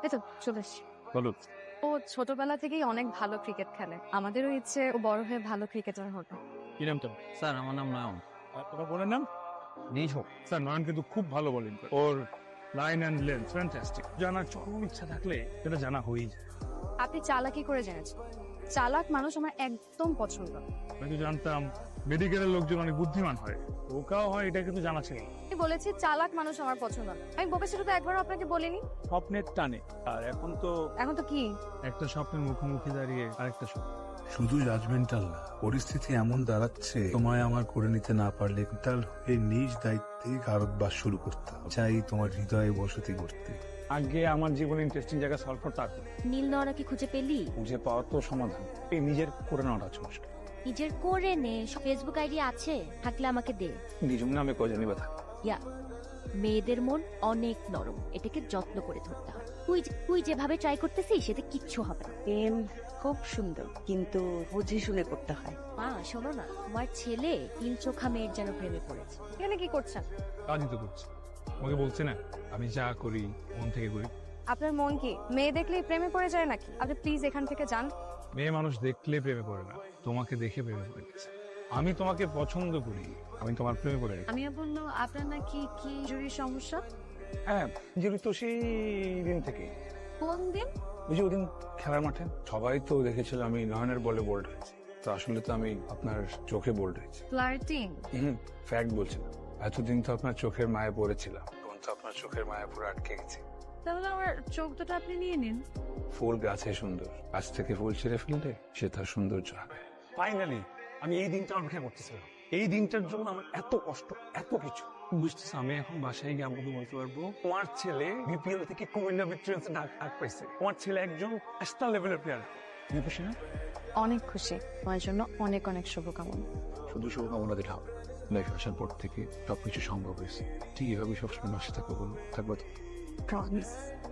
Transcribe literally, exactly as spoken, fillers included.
এই তো চলে এসছি। বলো। ও ছোটবেলা থেকেই অনেক ভালো ক্রিকেট খেলে, আমাদেরও ইচ্ছে ও বড় হয়ে ভালো ক্রিকেটার হবে। কি নামটা? স্যার আমার নাম নয়ন। আর তোমার বোনের নাম? নিঝো। স্যার নয়ন কিন্তু খুব ভালো বোলিং করে, ওর লাইন অ্যান্ড লেন্থ ফ্যান্টাস্টিক। জানার চরম ইচ্ছা থাকলে সেটা জানা হয়েই যায়। আপনি চালাকি করে জেনেছেন? চালাক মানুষ আমার একদম পছন্দ না। আমি তো জানতাম মেডিকেলের লোকজন অনেক বুদ্ধিমান হয়, ওকাও হয়, এটা কিন্তু জানা ছিল না। আমি বলেছি চালাক মানুষ আমার পছন্দ না। আমি বোকা ছিল তো একবারও আপনাকে বলিনি। স্বপ্নের টানে, আর এখন তো এখন তো কি? একটা স্বপ্নের মুখোমুখি দাঁড়িয়ে আরেকটা স্বপ্ন। শুধু জাজমেন্টাল না, পরিস্থিতি এমন দাঁড়াচ্ছে তোমায় আমার করে নিতে না পারলে তার হয়ে নিজ দায়িত্বে ভারতবাস শুরু করতে হবে। চাই তোমার হৃদয়ে বসতি করতে। আগে আমার জীবনে ইন্টারেস্টিং জায়গা সলভ করতে হবে। নীল নরা কি খুঁজে পেলি? খুঁজে পাওয়া তো সমাধান, এই নিজের করে নেওয়াটা হচ্ছে মুশকিল। নিজের করে নে। ফেসবুক আইডি আছে? থাকলে আমাকে দে। নিজম নামে কজনই বা থাকে। ইয়া, মেয়েদের মন অনেক নরম, এটাকে যত্ন করে ধরতে হয়। তুই যে- তুই যেভাবে ট্রাই করতেছিস সেটা কিচ্ছু হবে না। প্রেম খুব সুন্দর, কিন্তু বুঝে শুনে করতে হয়। মা শোনো না, তোমার ছেলে তিন চোখা মেয়ের যেন প্রেমে পড়েছে। এখানে কি করছেন? কাজই তো করছি, আমাকে বলছে না আমি যা করি মন থেকে করি। আপনার মন কি মেয়ে দেখলেই প্রেমে পড়ে যায় নাকি? আপনি প্লিজ এখান থেকে যান। মেয়ে মানুষ দেখলে প্রেমে পড়ে না, তোমাকে দেখে প্রেমে পড়ে গেছে। আমি তোমাকে পছন্দ করি, আমি তোমার প্রেমে পড়ে গেছি। আমি বললো আপনার নাকি কি জরুরি সমস্যা? হ্যাঁ, যেহেতু তো সেই দিন থেকে, কোন দিন? ওই যে ওদিন খেলার মাঠে সবাই তো দেখেছিল আমি নয়নের বলে বোল্ড হয়েছি, তো আসলে তো আমি আপনার চোখে বোল্ড হয়েছি। ফ্লার্টিং? হুম, ফ্যাক্ট বলছি না। এতদিন তো আপনার চোখের মায়ে পড়েছিলাম, তখন তো আপনার চোখের মায়ে পুরো আটকে গেছি। তাহলে আমার চোখ দুটো আপনি নিয়ে নিন। ফুল গাছে সুন্দর, গাছ থেকে ফুল ছিঁড়ে ফেললে সে তার সৌন্দর্য হবে। ফাইনালি আমি এই দিনটা অপেক্ষা করতেছিলাম। এই দিনটার জন্য আমার এত কষ্ট, এত কিছু বুঝতেছি। আমি এখন বাসায় গিয়ে আমাকে বলতে পারবো তোমার ছেলে বিপিএল থেকে কুমিল্লা ভিক্টোরিয়ান্সে ডাক ডাক পাইছে, তোমার ছেলে একজন ন্যাশনাল লেভেলের প্লেয়ার। তুমি খুশি না? অনেক খুশি, তোমার জন্য অনেক অনেক শুভকামনা। শুধু শুভকামনা দিলে হবে, লাইফ আসার পর থেকে সবকিছু সম্ভব হয়েছে। ঠিক এভাবে সবসময় বাসে থাকবো, বলো থাকবো তো? প্রমিস।